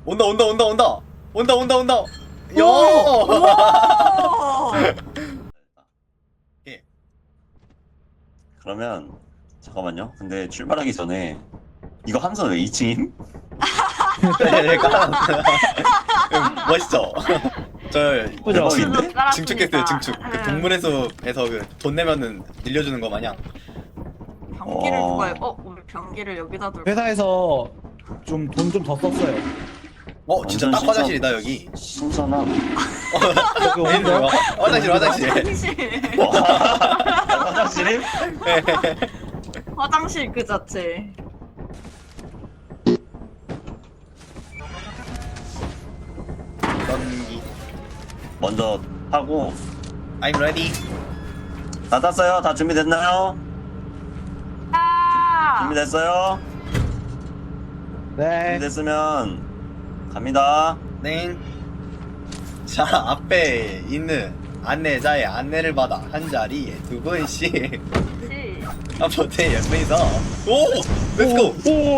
온다 온다 온다 온다 온다 온다 온다. 야. 우와! 예. 그러면 잠깐만요. 근데 출발하기 전에 이거 함선 왜 2층임? 약간 멋있죠. 저 그죠? 대박인데? 증축했어요 증축. 그 동물의숲에서 그 돈 내면은 늘려주는 거 마냥. 변기를 누가 우리 변기를 여기다 둘. 회사에서 좀 돈 좀 더 썼어요. 진짜 완전 딱 신선- 화장실이다 여기. 신선함. 여기 오는 있네요. 거야? 화장실 화장실. 화장실. 화장실임? 화장실 그 자체. 전기. 먼저 하고 I'm ready. 다 땄어요? 다 준비됐나요? 아! 준비됐어요? 네. 준비됐으면 갑니다. 네. 자 앞에 있는 안내자의 안내를 받아 한 자리에 두 분씩 앞으로 옆에서 오 렛츠고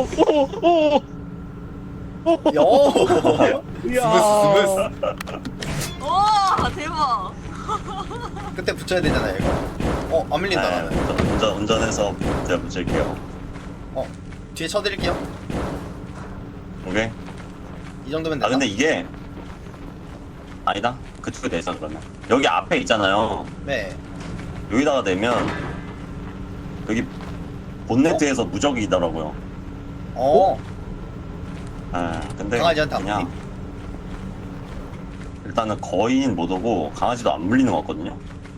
요 이야. 스무스 와 대박. 끝에 붙여야 되잖아요 이거. 안 밀린다 네, 나는. 운전해서 제가 붙일게요. 뒤에 쳐드릴게요. 오케이. 이 정도면 아 되나? 근데 이게 아니다. 그쪽에 대해서 그러면 여기 앞에 있잖아요. 네. 여기다가 대면 여기 본네트에서 무적이더라고요. 아 근데 강아지한테 안 그냥 일단은 거인 못 오고 강아지도 안 물리는 것 같거든요.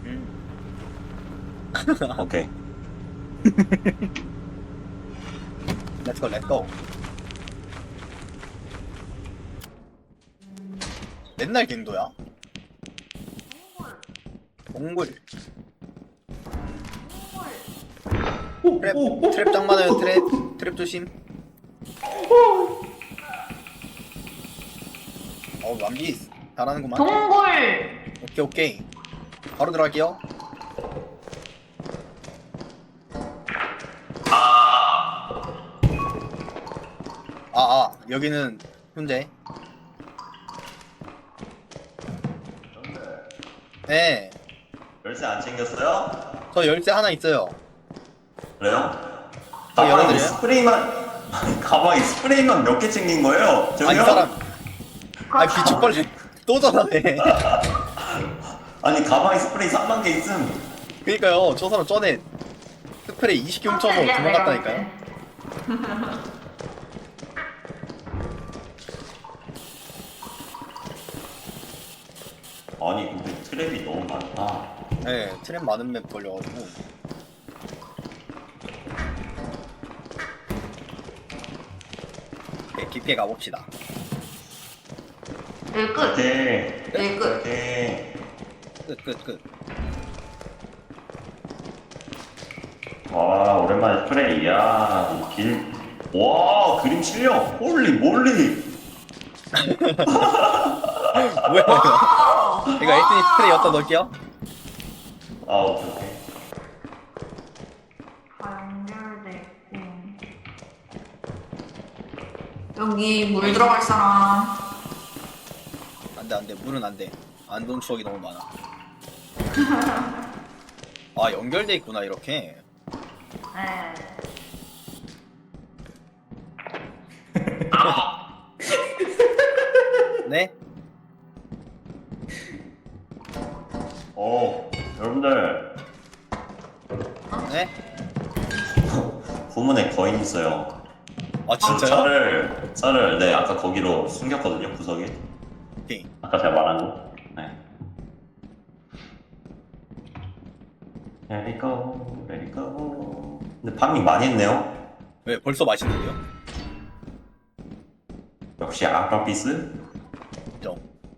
오케이. 렛츠고 렛츠고. 맨날 갱도야? 동굴. 트랩 짱 많아요 트랩 조심. 완비 잘하는구만. 동굴. 오케이 바로 들어갈게요. 여기는 훈제. 네. 열쇠 안 챙겼어요? 저 열쇠 하나 있어요. 그래요? 저 가방에 열어드려요? 스프레이만 가방에 스프레이만 몇 개 챙긴 거예요? 아니 저기요? 사람. 비축벌레 또 전화해. 아니 가방에 스프레이 3만 개 있음. 그니까요 저 사람 전에 스프레이 20개 훔쳐서 도망갔다니까요. 아니 근데 트랩이 너무 많다. 네 트랩 많은 맵 걸려가지고. 네 깊게 가봅시다. 네 끝. 오케이. 네 끝. 오케이. 끝. 와 오랜만에 스프레이야. 와 그림 실력. 홀리 몰리. 뭐야 이거 에이스니 스프레이 어디다 넣을게요? 아 오케이. 연결됐고. 여기 물 들어갈 사람. 안돼 물은 안돼. 안 좋은 추억이 너무 많아. 연결돼 있구나 이렇게. 네. 네? 여러분들 네? 후문에 거인 있어요. 진짜요? 차를 네 아까 거기로 숨겼거든요 구석에. 오케이. 아까 제가 말한 거. 네. Let it go, let it go. 근데 파밍 많이 했네요. 왜 벌써 맛있는데요? 역시 아까피스. 정.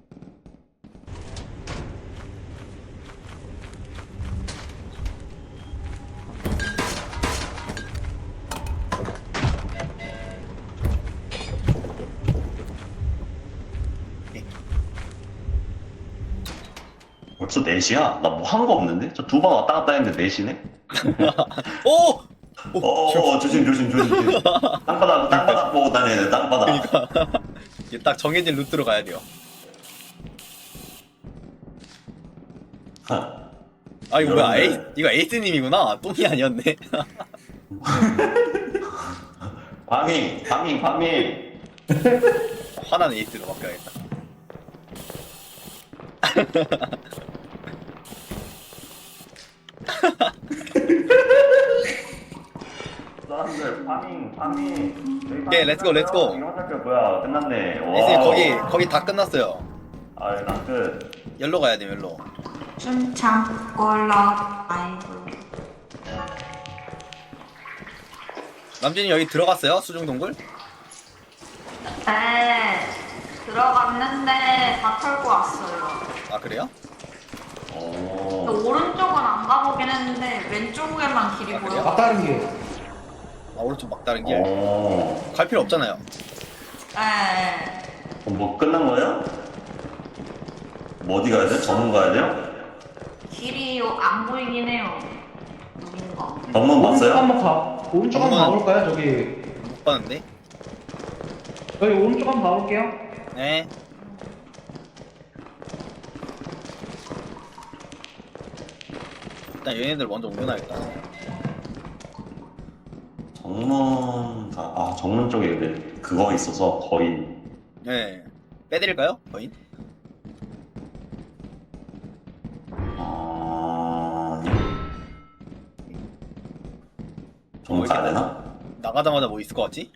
벌써 4시야? 나 뭐 한 거 없는데? 저 두 번 왔다 갔다 했는데 4시네? 오! 조심. 땅바닥 보고 다녀야 돼, 땅바닥. 그니까 이게 딱 정해진 루트로 가야 돼요. 아 이거 뭐야? 이거 에이스님이구나. 똥이 아니었네. 파밍. 화난 에이스로 바꿔야겠다. 사람들 파밍. 오케이, 렛츠고. 이런 학교 뭐야? 끝났네. 에이스님 거기 다 끝났어요. 난 끝. 열로 가야 돼, 열로. 춤참 꼴라 아이고. 남진이 여기 들어갔어요? 수중동굴? 네. 들어갔는데 다 털고 왔어요. 아 그래요? 근데 오른쪽은 안 가보긴 했는데 왼쪽에만 길이 아, 그래요? 보여. 막다른 길. 아 오른쪽 막다른 길. 갈 필요 없잖아요. 네. 뭐 끝난 거예요? 뭐 어디 가야 돼? 정문 가야 돼요? 길이 안 보이긴 해요. 여긴가? 정문 오른쪽 봤어요? 한번 가. 오른쪽 한번 정말. 가볼까요? 저기. 못 봤는데. 여기 오른쪽 한번 가볼게요. 네. 일단 얘네들 먼저 옮겨놔야겠다. 정문 쪽에 근데 그거 있어서 거의 네. 빼드릴까요? 거인? 정문 가야 되나? 나가자마자 뭐 있을 것 같지?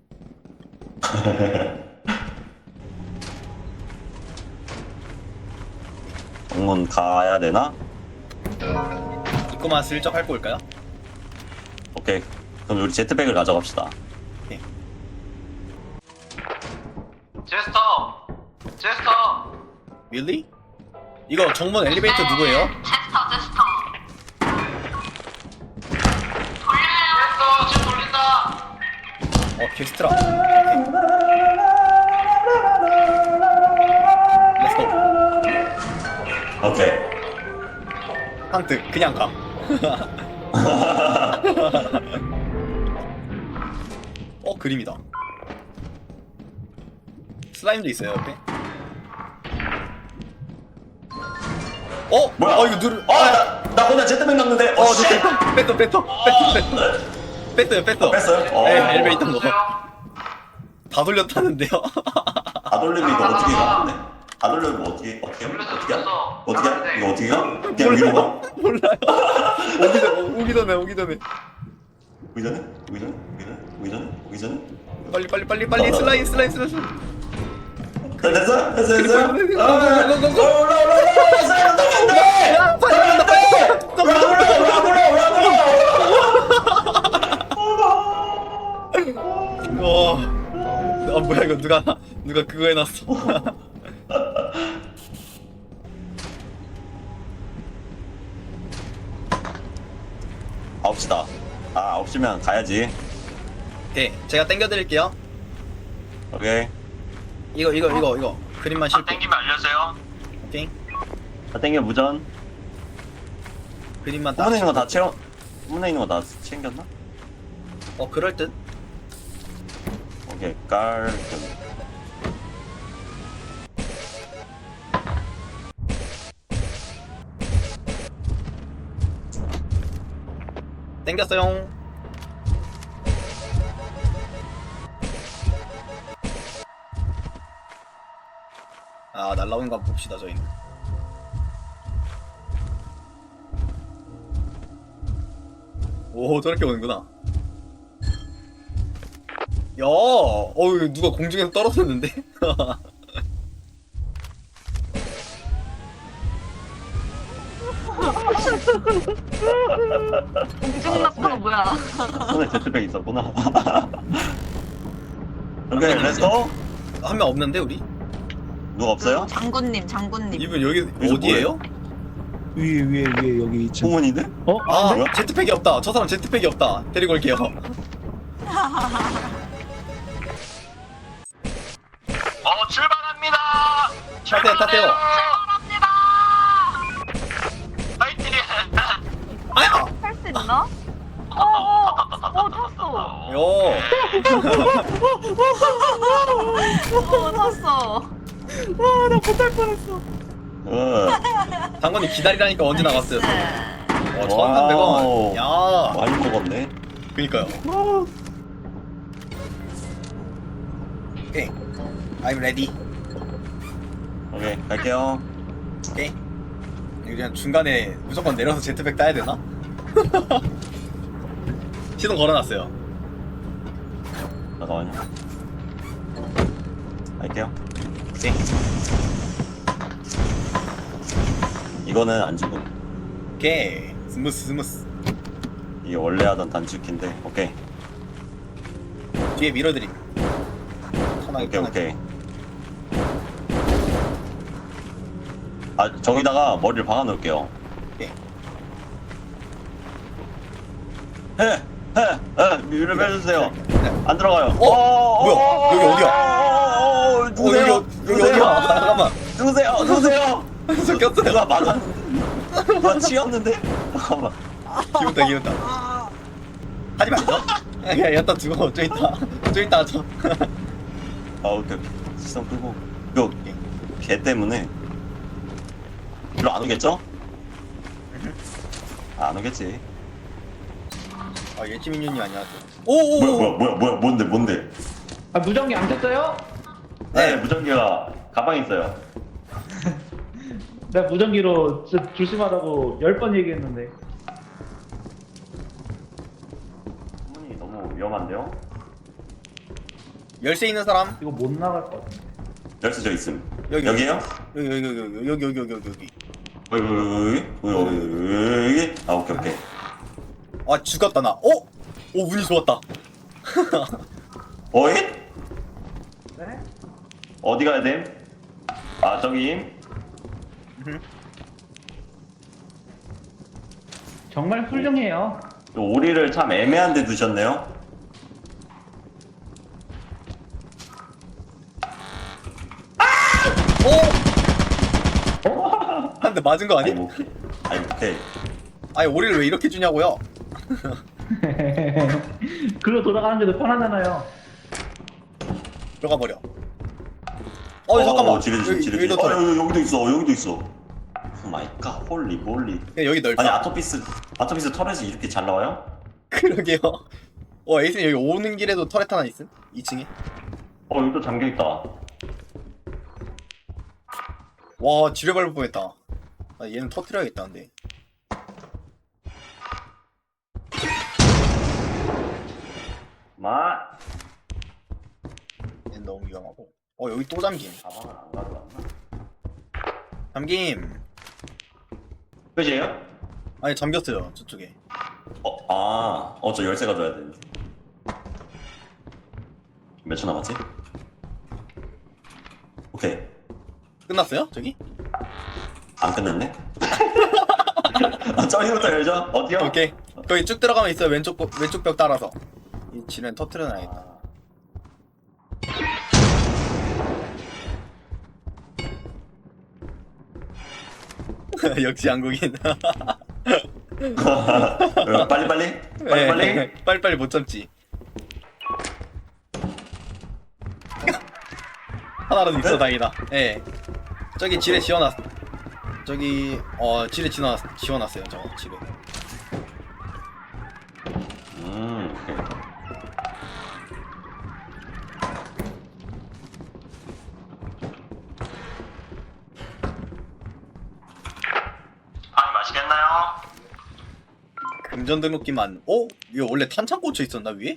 정문 가야 되나? 입구만 슬쩍 밟고 올까요? 오케이. 그럼 우리 제트백을 가져갑시다. 제스터! Really? 이거 정문 엘리베이터 누구예요? 제스터. 제스터! 지금 돌린다! 게스트라. 렛츠고. 오케이. 한트 그냥 가. 그림이다. 슬라임도 있어요 옆에. 뭐야? 이거 누르. 나 혼자 제트백 넣는데. 씨. 뺐어요. 뺐어요? 네, 엘리베이터 거. 다 돌렸다는데요. 다 돌리면 이거 어떻게 가? 근데? 다 돌리면 뭐 어떻게 해? 어떻게 해? 이거 어떻게 가? 그냥 위로 가? 몰라요. 오기 전에. 오기 전에? 빨리 슬라임. 됐어? 야, 빨리 뭐야 이거 누가 그거 해놨어. 아홉시다. 9시면 가야지. 오케이, 제가 땡겨드릴게요. 오케이. 이거 그림만 실패. 땡기면 알려주세요. 오케이, 다 땡겨 무전. 그림만 딱. 후문에 있는 거 다 챙겼나? 그럴 듯. 오케이. 깔끔. 땡겼어요. 날라오는 거 한번 봅시다 저희는. 오, 저렇게 오는구나. 야, 누가 공중에서 떨어졌는데? 공중 낙하가 뭐야? 손에 제트백 있었구나. 오케이, 렛츠고. 한 명 없는데 우리? 누가 없어요? 장군님. 이분 여기 여기서 어디에요? 위에 여기 2층. 후문인데? 뭐야? 제트팩이 없다. 저 사람 제트팩이 없다. 데리고 올게요. 출발합니다! 타세요. 출발합니다. 파이팅! 아야! 탈 수 있나? 탔어. 요. 샀어. 와나 못할 뻔했어. 당근이 기다리라니까 언제 나갔어요? 와 1,300원. 야 많이 먹었네. 그니까요. 오케이 I'm ready. 오케이 갈게요. 오케이. 이거 그냥 중간에 무조건 내려서 제트백 따야 되나? 시동 걸어놨어요. 잠깐만요. 갈게요. 오케이. 이거는 안 죽음. 오케이 스무스. 이게 원래 하던 단축키인데. 오케이. 뒤에 밀어드림. 편하게 오케이. 아 저기다가 머리를 박아 놓을게요. 오케이. 위를 빼주세요. 안 들어가요. 뭐야? 여기 어디야? 누구세요? 여기 어디야? 잠깐만. 누구세요? 섞였어요. 누가 맞았는데? 누가 치였는데? 잠깐만. 기운다. 하지 말죠. 야 여기다 두고 좀 이따 하죠. 아 오케이. 시선 끄고. 이거 개 때문에 일로 안 오겠죠? 안 오겠지. 아 예지민윤이 아니야. 오오. 뭐야 뭔데? 아 무전기 안 켰어요? 네 무전기가 가방에 있어요. 내가 무전기로 진짜 조심하라고 10번 얘기했는데. 문이 너무 위험한데요? 열쇠 있는 사람? 이거 못 나갈 것 같은데. 열쇠 저 있음. 여기. 여기요? 여기. 여기. 아 오케이. 아 죽었다 나. 오 운이 좋았다. 어이? 네? 어디 가야 됨? 아 저기. 정말 훌륭해요. 오리를 참 애매한 데 두셨네요. 한 대 맞은 거 아니? 오케이. 아니 오리를 왜 이렇게 주냐고요? 그거 돌아가는 게더 편하잖아요. 들어가 버려. 잠깐만. 지뢰. 여기도 털어. 여기도 있어. 오 마이 갓, 홀리 몰리. 그냥 여기 넓다. 아니 아토피스 터렛이 이렇게 잘 나와요? 그러게요. 에이슨 여기 오는 길에도 터렛 하나 있음? 2층에? 여기도 잠겨 있다. 와 지뢰 밟을 뻔했다. 아, 얘는 터트려야겠다 근데. 얘는 너무 위험하고. 여기 또 잠김. 가방을 안 가져왔나? 잠김. 끝이에요? 아니 잠겼어요 저쪽에. 저 열쇠 가져야 되는데. 몇 초 남았지? 오케이. 끝났어요 저기? 안 끝났네? 저기부터 열죠? 어디요? 오케이. 거기 쭉 들어가면 있어요. 왼쪽 벽 따라서. 이 지뢰는 터트려놔야겠다. 역시 한국인. 빨리. 빨리빨리 못 참지. 하나라도 있어 다행이다. 예. 저기 지뢰 지워놨. 저기 지뢰 지워놨어요. 저 지뢰. 오케이. 아니 맛있겠나요? 금전 등록기만. 이거 원래 탄창 꽂혀 있었나 위에?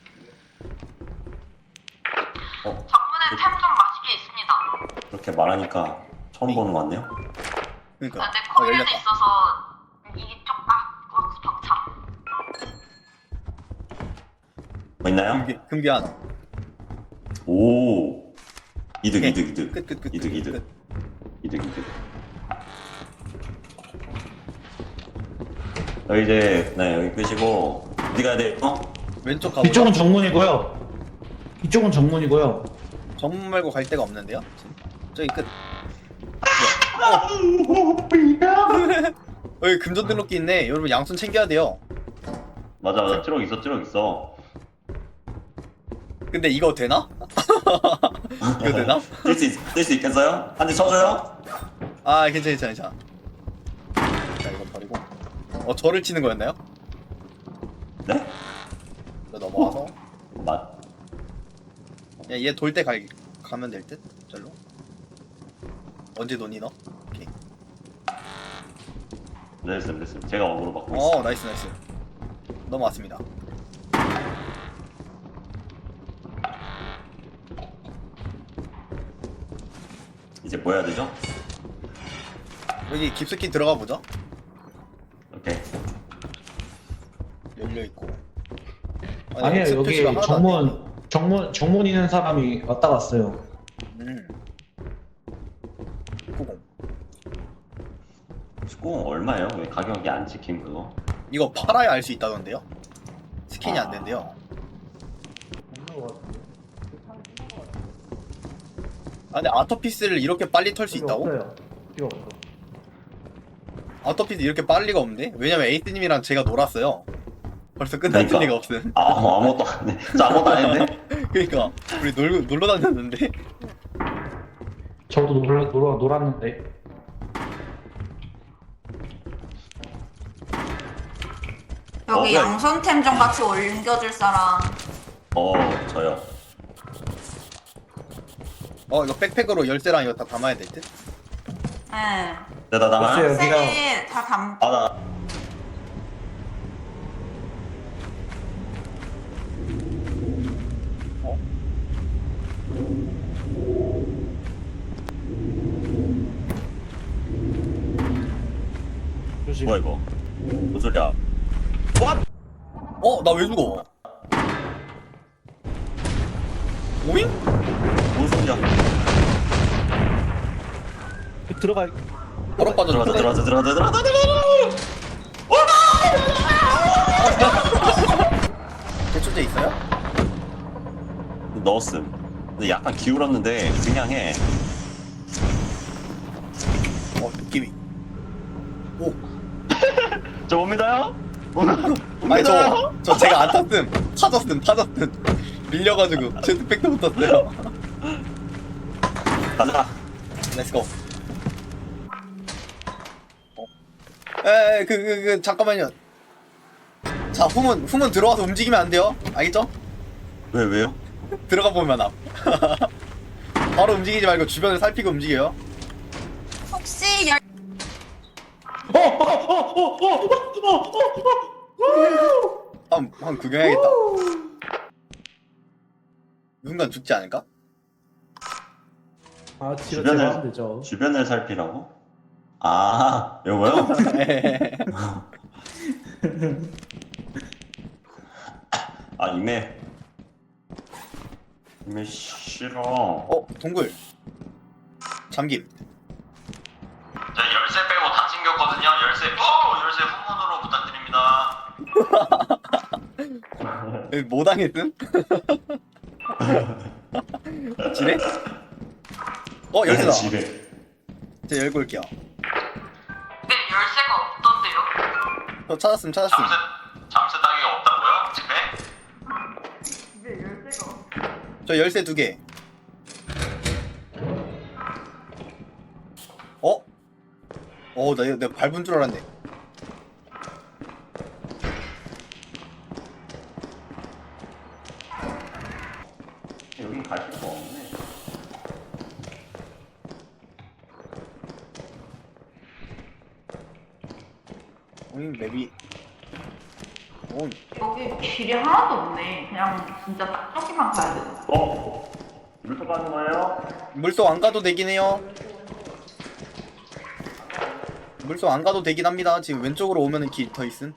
정문에 템 좀 맛있게 있습니다. 그렇게 말하니까 처음 보는 것 같네요. 그러니까. 근데 코일에도 열렸다. 있어서 이쪽 벽차. 뭐 있나요? 금기 하나. 오. 이득. 끝. 이득. 여기 이제 여기 끄시고 어디 가야 돼? 왼쪽 가보자. 이쪽은 정문이고요. 정문 말고 갈 데가 없는데요? 저기 끝. 여기 금전 등록기 있네. 여러분 양손 챙겨야 돼요. 맞아. 트럭 있어. 근데 이거 되나? 이거 되나? 뛸수 있겠어요? 한 대 쳐줘요? 아 괜찮아. 자 이거 버리고. 저를 치는 거였나요? 네? 저 넘어와서. 맞. 얘 돌 때 가면 될 듯? 절로. 언제 도니 너? 오케이. 됐음. 제가 어그로 받고 있어. 나이스. 넘어왔습니다. 이제 뭐 해야 되죠? 여기 깊숙이 들어가 보죠. 오케이. 열려 있고. 아니에요, 엑스 여기 표시가 하나도 안 정문 있는 사람이 왔다 갔어요. 돼. 90. 19 얼마예요? 왜 가격이 안 찍힌 그거? 이거 팔아야 알 수 있다던데요? 스캔이 안 된대요. 근데 아토피스를 이렇게 빨리 털 수 있다고? 없어요. 필요 없어. 아토피스 이렇게 빨리 리가 없는데? 왜냐면 에이스님이랑 제가 놀았어요. 벌써 끝날 그러니까. 리가 없음. 아무것도 안 해. 저 아무것도 안 했네. 그러니까 우리 놀러 다녔는데. 저도 놀았는데. 여기 뭐야, 양손템 좀 같이 옮겨줄 사람. 저요. 이거 백팩으로 열쇠랑 이거 다 담아야 될 듯? 네. 내가 나가. 없어요. 여기가- 셀이 다 담. 나. 조심. 뭐야 이거? 뭔 소리야? 나 왜 죽어? 오잉? 뭔 소리야? 들어가. 바로 빠졌는데? 들어가자. 대출제 있어요? 넣었음. 근데 약간 기울었는데 그냥 해. 느낌이. 오. 저 옵니다요? 아니 저 제가 안 탔음. 파졌음. 밀려가지고 제트팩도 못 탔어요. 가자. 렛츠고. 잠깐만요. 자, 후문 들어와서 움직이면 안 돼요. 알겠죠? 왜요? 들어가 보면 앞. 바로 움직이지 말고 주변을 살피고 움직여요. 혹시 열 한번 구경해야겠다. 누군가 죽지 않을까? 아, 지나가면 되죠. 주변을 살피라고? 요거요? 이메 싫어. 동굴. 잠김. 자, 열쇠 빼고 다 챙겼거든요. 열쇠 후문으로 부탁드립니다. 뭐 당했음? 지뢰? 열쇠다. 집에. 제가 열고 올게요. 근데 열쇠가 없던데요? 저 찾았음. 잠새 따기가 없다고요? 집에? 집에 열쇠가 없. 저 열쇠 2개. 내가 밟은 줄 알았네. 여기 갈 필요가 없네. 맵이. 여기 길이 하나도 없네. 그냥 진짜 딱 저기만 가야 돼. 물속 가는 거예요? 물속 안 가도 되긴 해요. 물속 안 가도 되긴 합니다. 지금 왼쪽으로 오면은 길 더 있음.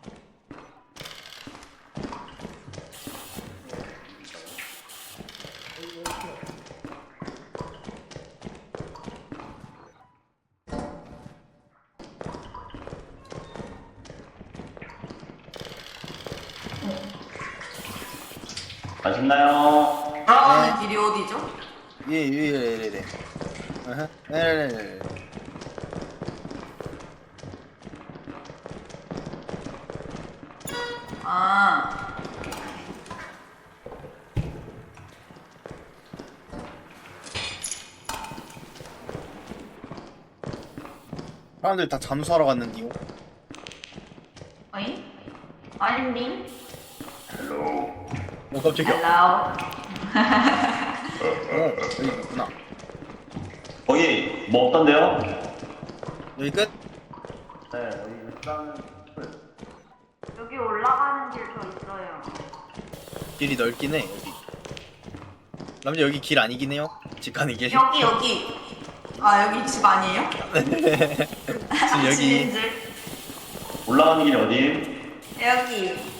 가셨나요? 돌아가는 길이 어디죠? 예. 네. 아. 사람들 다 잠수하러 갔는데요. 어이? 아닌데? 오 깜짝이야. Hello. 여기 있구나. 거기 뭐 없던데요? 여기 끝? 네, 여기 일단 여기 올라가는 길 저 있어요. 길이 넓긴 해 여기. 남자 여기 길 아니긴 해요. 집 가는 길. 여기. 아 여기 집 아니에요? 지금 여기 집인 줄. 올라가는 길이 어디? 여기.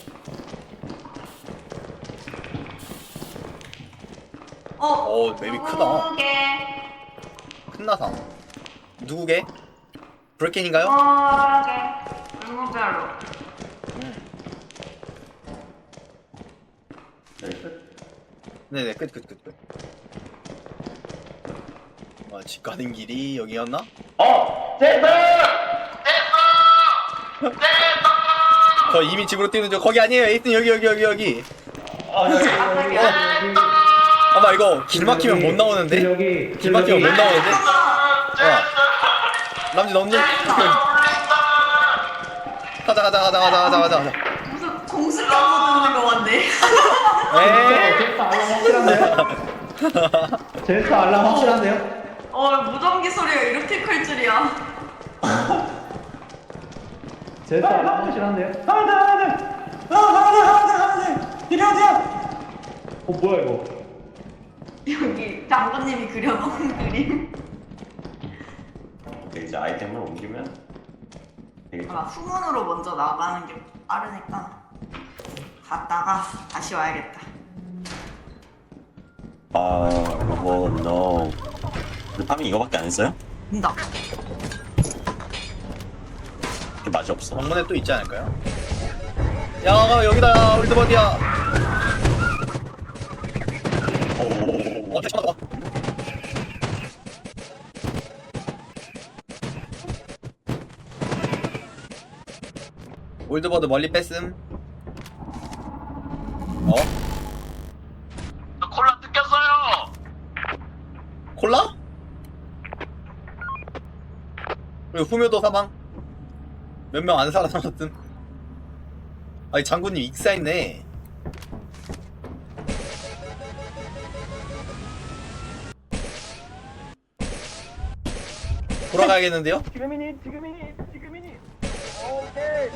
맵이 크다. 누구게? 큰 나상. 누구게? 브레켄인가요? 누구게? 물무별로. 네, 끝. 네네 끝. 집 가는 길이 여기였나? 제스! 저 이미 집으로 뛰는 중. 거기 아니에요. 에이튼 여기. 아, 여기. 아마 이거 길 막히면 못 나오는데? 여기 길 막히면 못 나오는데? 남지 넘니? 가자. 무슨 공수경보 듣는 거 같네. 에이. 제스 알람 확실한데요? 무전기 소리가 이렇게 클 줄이야. 제스 알람 확실한데요? 이리 어디야? 뭐야 이거? 여기 장군님이 그려놓은 그림. 오케이, 이제 아이템을 옮기면 되겠죠. 후문으로 먼저 나가는 게 빠르니까 갔다가 다시 와야겠다. 로봇 no. 근데 파밍 이거밖에 안 했어요? 된다. 맛이 없어. 방문에 또 있지 않을까요? 야 여기다 올드버디야. 잠깐만. 올드버드 멀리 뺐음. 저 콜라 뜯겼어요. 콜라? 그리고 후묘도 사망. 몇 명 안 살아남았음. 아니 장군님 익사했네. 돌아가야겠는데요? 지금이니. 오케이.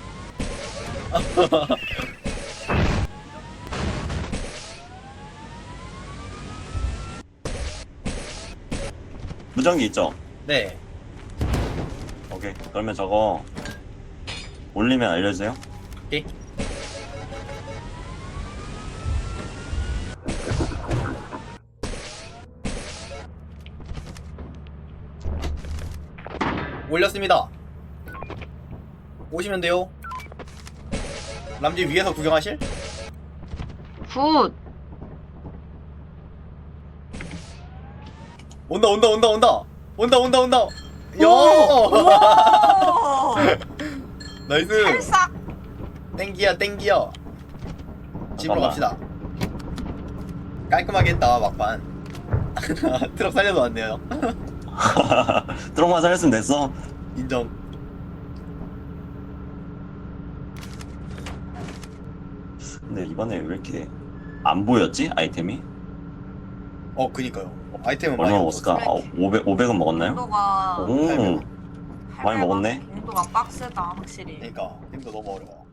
무전기 있죠? 네. 오케이. 그러면 저거 올리면 알려주세요. 오케이. 올렸습니다. 오시면 돼요. 남지 위에서 구경하실? 굿. 온다. 야! 나이스. 살싹. 땡기야. 집으로 잠깐만. 갑시다. 깔끔하게 했다 막판. 트럭 살려도 왔네요. 트럭만 살렸으면 됐어. 인정. 근데 이번에 왜 이렇게 안 보였지? 아이템이? 그니까요. 아이템은 얼마 많이 먹었을까? 500은 먹었나요? 농도가 오, 많이 먹었네. 농도가 빡세다 확실히. 그러니까 힘도 너무 어려워.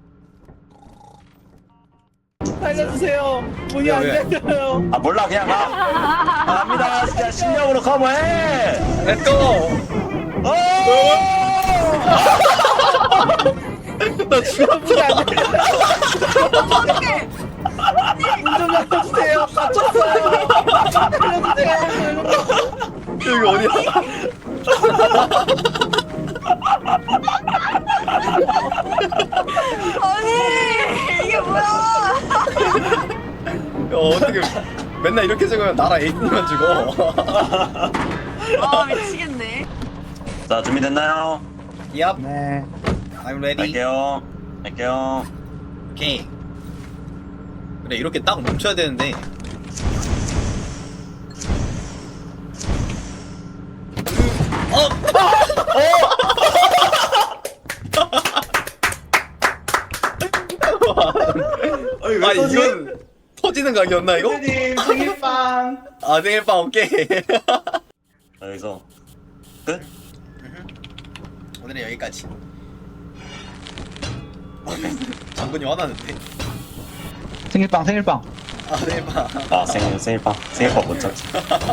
살려주세요. 문이 안 왜? 열려요. 몰라, 그냥 가. 갑니다. 진짜 실력으로 커버해. 렛츠고! 나 죽어. 어떡해! 문좀 열어주세요. 갇혔어요. 살려주세요. 여기 어디야? 아니 이게 뭐야? 어떻게 맨날 이렇게 죽으면 나라 에이스만 죽어. 아 미치겠네. 자, 준비됐나요? Yup, 네. I'm ready. 갈게요. 오케이. 그래 이렇게 딱 멈춰야 되는데. 아 이건 터지는 각이었나 이거? 선생님 생일빵. 아 생일빵 오케이. 여기서 끝? 오늘은 여기까지. 장군이 화나는데. 생일빵 생일빵. 아 생일빵. 아 생일빵 못 찾지.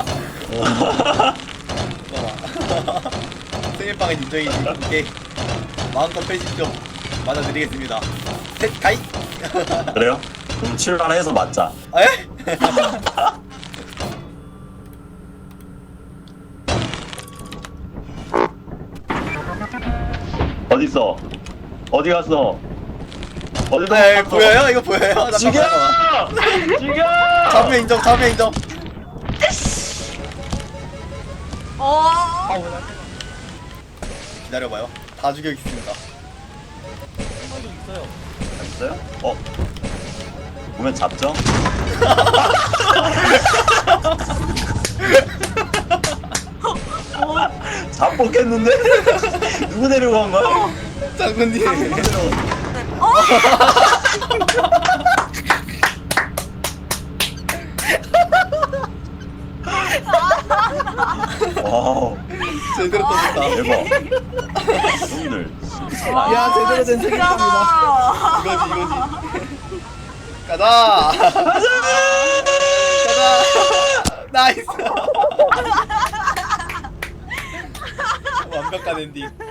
생일빵은 인정이지. 오케이. 마음껏 패시 좀 맞아드리겠습니다. 셋 가이. 그래요? 그럼 출발해서 맞자. 에? 어딨어? 어디 갔어? 어디서 네 보여요? 이거 보여요? 죽여! 죽여. 잡으면 인정. 잡으면 인정. 기다려봐요. 다 죽여있습니다. 있어요? 보면 잡죠? 잡혔겠는데? 누구 데리고 간 거야? 장군님. 와우 제대로 떴다. 대박. 형들 야 제대로 된 생일빵이다. 이거지. 가자. 가자. 나이스. 완벽한 엔딩.